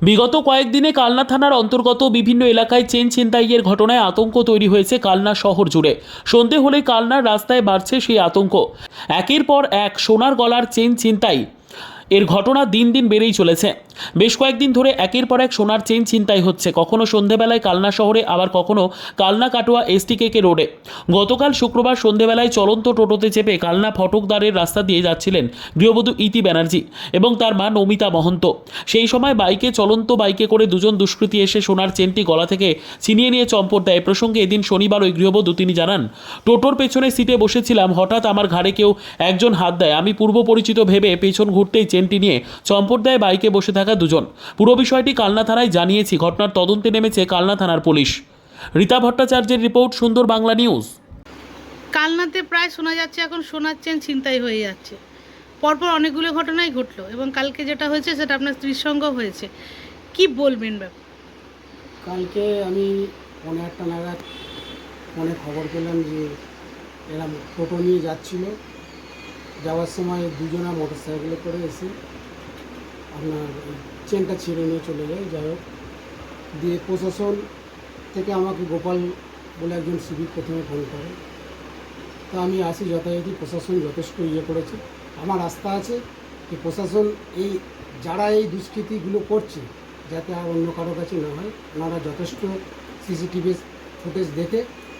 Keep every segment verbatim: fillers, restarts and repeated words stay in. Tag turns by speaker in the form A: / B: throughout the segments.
A: বিগত কয়েকদিনে কালনা থানার অন্তর্গত বিভিন্ন এলাকায় চেন ছিনতাইয়ের ঘটনায় আতঙ্ক তৈরি হয়েছে কালনা শহর জুড়ে। সন্ধে হলেই কালনার রাস্তায় বাড়ছে সেই আতঙ্ক। একের পর এক সোনার গলার চেন ছিনতাই এর ঘটনা দিন দিন বেড়েই চলেছে। বেশ কয়েকদিন ধরে একের পর এক সোনার চেন ছিনতাই হচ্ছে, কখনো সন্ধেবেলায় কালনা শহরে, আবার কখনো কালনা কাটোয়া এসটিকেকে রোডে। গতকাল শুক্রবার সন্ধেবেলায় চলন্ত টোটোতে চেপে কালনা ফটকদারের রাস্তা দিয়ে যাচ্ছিলেন গৃহবধূ ইতি ব্যানার্জি এবং তার মা নমিতা মহন্ত। সেই সময় বাইকে চলন্ত বাইকে করে দুজন দুষ্কৃতী এসে সোনার চেনটি গলা থেকে ছিনিয়ে নিয়ে চম্পট দেয়। প্রসঙ্গে এদিন শনিবার ওই গৃহবধূ তিনি জানান, টোটোর পেছনে সিটে বসেছিলাম, হঠাৎ আমার ঘাড়ে কেউ একজন হাত দেয়। আমি পূর্ব পরিচিত ভেবে পেছন ঘুরতেই চেনটি নিয়ে চম্পট দেয় বাইকে বসে থাকা দুজন। পুরো বিষয়টি কালনা থানায় জানিয়েছি। ঘটনার তদন্তে নেমেছে কালনা থানার পুলিশ। রীতা ভট্টাচার্যের রিপোর্ট, সুন্দর বাংলা নিউজ।
B: কালনাতে প্রায় শোনা যাচ্ছে এখন সোনার চেন ছিনতাই হয়ে যাচ্ছে। পরপর অনেকগুলো ঘটনাই ঘটলো এবং কালকে যেটা হয়েছে সেটা আপনার স্ত্রীর সঙ্গেও হয়েছে। কি বলবেন ব্যাপার?
C: কালকে আমি পনেরো আটটা নাগাদ ফোনে খবর পেলাম যে এরা টোটো নিয়ে যাচ্ছিল। যাওয়ার সময় দুজনা মোটর সাইকেলে করে এসে আপনার চেনটা ছিঁড়ে নিয়ে চলে যায়। যাই হোক, দিয়ে প্রশাসন থেকে আমাকে গোপাল বলে একজন সিভিক প্রথমে ফোন করে। তা আমি আসি যথারীতি, প্রশাসন যথেষ্ট ইয়ে করেছে। আমার আস্থা আছে যে প্রশাসন এই যারা এই দুষ্কৃতিগুলো করছে যাতে আর অন্য কারো কাছে না হয়, ওনারা যথেষ্ট সিসিটিভি ফুটেজ দেখে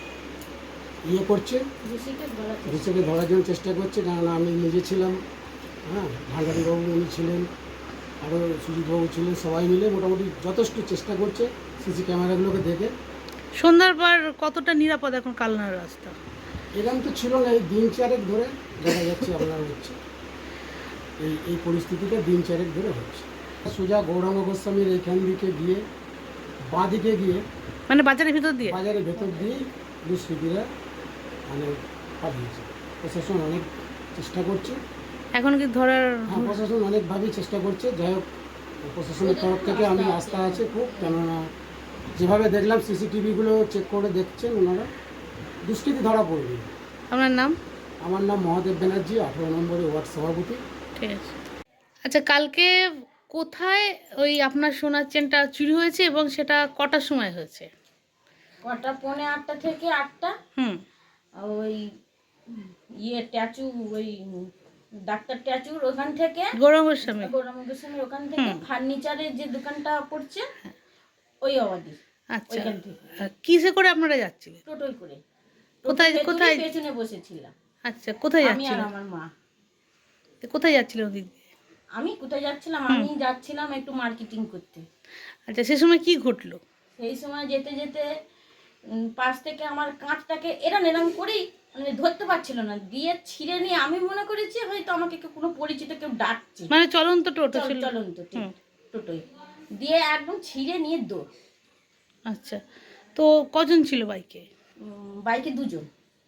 C: ইয়ে করছে, দোষীকে ধরার জন্য চেষ্টা করছে। কারণ আমি নিজে ছিলাম, হ্যাঁ, ভান্ডারীবাবু উনি ছিলেন, আরও সুজিতবাবু ছিলেন, সবাই মিলে মোটামুটি যথেষ্ট চেষ্টা করছে সিসি ক্যামেরাগুলোকে দেখে।
B: সন্ধ্যার পর কতটা নিরাপদ এখন কালনার রাস্তা?
C: এরকম তো ছিল না, এই দিন চারেক ধরে দেখা যাচ্ছে আপনার হচ্ছে এই এই পরিস্থিতিটা দিন চারেক ধরে হচ্ছে। সোজা গৌরাঙ্গ গোস্বামীর এইখান দিকে গিয়ে বাঁ দিকে গিয়ে
B: মানে বাজারের ভিতর দিয়ে
C: বাজারের ভেতর দিয়ে দুষ্কৃতীরা মানে পাঠিয়েছে। প্রশাসন অনেক চেষ্টা করছে,
B: এখন কি ধরার?
C: হ্যাঁ, প্রশাসন অনেকভাবেই চেষ্টা করছে। যাই হোক, প্রশাসনের তরফ থেকে আমি আস্থা আছে খুব, কেননা যেভাবে দেখলাম সিসিটিভিগুলো চেক করে দেখছেন ওনারা, দুষ্কৃতী ধরা পড়বে।
B: আপনার নাম?
C: আমার নাম মহাদেব ব্যানার্জি, আঠেরো নম্বরে ওয়ার্ড সভাপতি।
B: ঠিক আছে। আচ্ছা, কালকে কোথায় ওই আপনার সোনার চেনটা চুরি হয়েছে এবং সেটা কটার সময় হয়েছে?
D: কটা পৌনে আটটা থেকে আটটা।
B: হুম।
D: ওই ইয়ে ট্যাচু, ওই ডাক্তার ট্যাচুর ওখান থেকে,
B: গৌরাঙ্গ গোস্বামী
D: গৌরাঙ্গ গোস্বামীর ওখান থেকে ফার্নিচারের যে দোকানটা পড়ছে ওই অবাধি,
B: আচ্ছা,
D: ওইখান থেকে
B: কিসে করে আপনারা যাচ্ছিলেন?
D: টোটোই করে।
B: কোথায়
D: টোটোর
B: কোথায়
D: পেছনে বসেছিলাম
B: আচ্ছা, কোথায়
D: আমি আর
B: যাচ্ছিলেন?
D: আমার মা।
B: কোথায় যাচ্ছিলেন ওদিক দিয়ে?
D: আমি কোথায় যাচ্ছিলাম? আমি যাচ্ছিলাম একটু মার্কেটিং করতে।
B: আচ্ছা, সে সময় কি ঘটলো?
D: সেই সময় যেতে যেতে উম, পাশ থেকে আমার কাঁচটাকে এরম এরম করেই মানে ধরতে পারছিল না, দিয়ে ছিঁড়ে নিয়ে আমি মনে করেছি হয়তো আমাকে কেউ কোনো পরিচিত কেউ ডাকছে,
B: মানে চলন্ত টোটো
D: চল
B: ছিল?
D: চলন্ত ঠিক,
B: হুম।
D: টোটোই, দিয়ে একদম ছিঁড়ে নিয়ে দৌড়।
B: আচ্ছা, তো কজন ছিল বাইকে?
D: উম, বাইকে দুজন।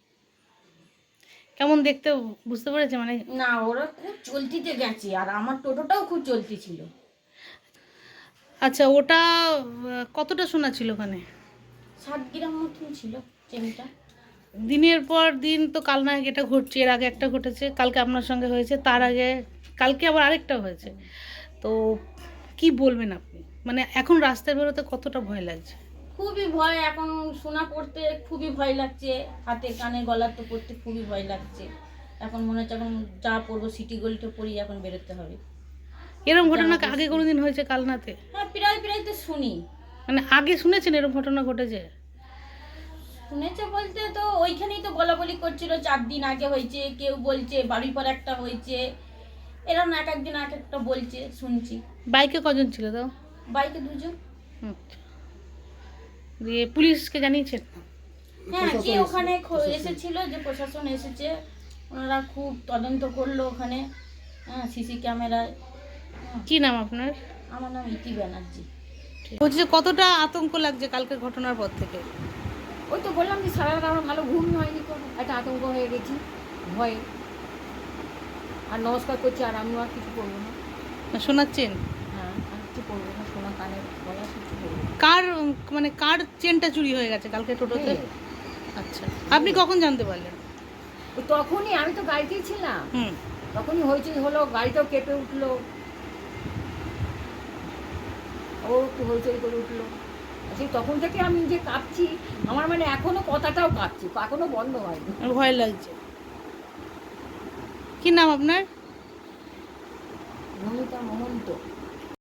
B: কেমন দেখতে বুঝতে পেরেছে? মানে
D: না, ওরা খুব চলতিতে গেছে আর আমার টোটোটাও খুব চলতি ছিল।
B: আচ্ছা, ওটা আহ, কতটা সোনা ছিল ওখানে?
D: সাত গ্রাম মতন ছিল চেনটা।
B: দিনের পর দিন তো কালনায় এটা ঘটছে, এর আগে একটা ঘটেছে, কালকে আপনার সঙ্গে হয়েছে, তার আগে কালকে আবার আরেকটা হয়েছে। তো কি বলবেন আপনি? মানে এখন রাস্তায় বেরোতে কতটা ভয় লাগছে?
D: খুবই ভয়, এখন সোনা পড়তে খুবই ভয় লাগছে, হাতে কানে গলাতে পড়তে খুবই ভয় লাগছে। এখন মনে হচ্ছে এখন যা পড়বো সিটি গোল্ডে পড়ি, এখন বেরোতে হবে।
B: এরকম ঘটনা কি আগে কোনোদিন হয়েছে কালনাতে?
D: হ্যাঁ, প্রায় প্রায় তো শুনি।
B: মানে আগে শুনেছেন এরকম ঘটনা ঘটেছে?
D: শুনেছে বলতে তো ওইখানেই তো বলা বলি করছিল, চার দিন আগে হয়েছে, কেউ বলছে বাড়ির পর একটা হয়েছে, এরকম এক একদিন এক একটা বলছে, শুনছি।
B: বাইকে কজন ছিল তো?
D: বাইকে দুজন।
B: আচ্ছা, দিয়ে পুলিশকে জানিয়েছেন?
D: হ্যাঁ, যে
C: প্রশাসন
D: ওখানে খ-
C: প্রশাসন।
D: এসেছিল, যে প্রশাসন এসেছে, ওনারা খুব তদন্ত করলো ওখানে, হ্যাঁ, সিসি ক্যামেরায়।
B: কি নাম আপনার?
D: আমার নাম ইতি ব্যানার্জি।
B: বলছি যে কতটা আতঙ্ক লাগছে কালকের ঘটনার পর থেকে?
E: ওই তো বললাম যে সারা রাত আমার ভালো ঘুম হয়নি, তো একটা আতঙ্ক হয়ে গেছি ভয়ে। আর নমস্কার করছি, আর আমিও আর কিছু করবো না।
B: না, শোনাচ্ছেন?
E: হ্যাঁ, আর কিছু করবো না, সোনা কানে গলা কিছু করবো না।
B: কার মানে কার চেনটা চুরি হয়ে গেছে কালকে টোটোতে?
E: হ্যাঁ।
B: আচ্ছা, আপনি কখন জানতে পারলেন?
E: ওই তখনই আমি তো গাড়িতেই ছিলাম,
B: হুম।
E: তখনই হয়েছে হলো, গাড়িটাও কেঁপে উঠলো। ও একটু হইচই করে উঠলো। আর সেই তখন থেকে আমি যে কাঁপছি, আমার মানে এখনও কথাটাও কাঁপছি, এখনও বন্ধ হয়নি।
B: আমার ভয় লাগছে। কি নাম আপনার?
E: নমিতা মহন্ত।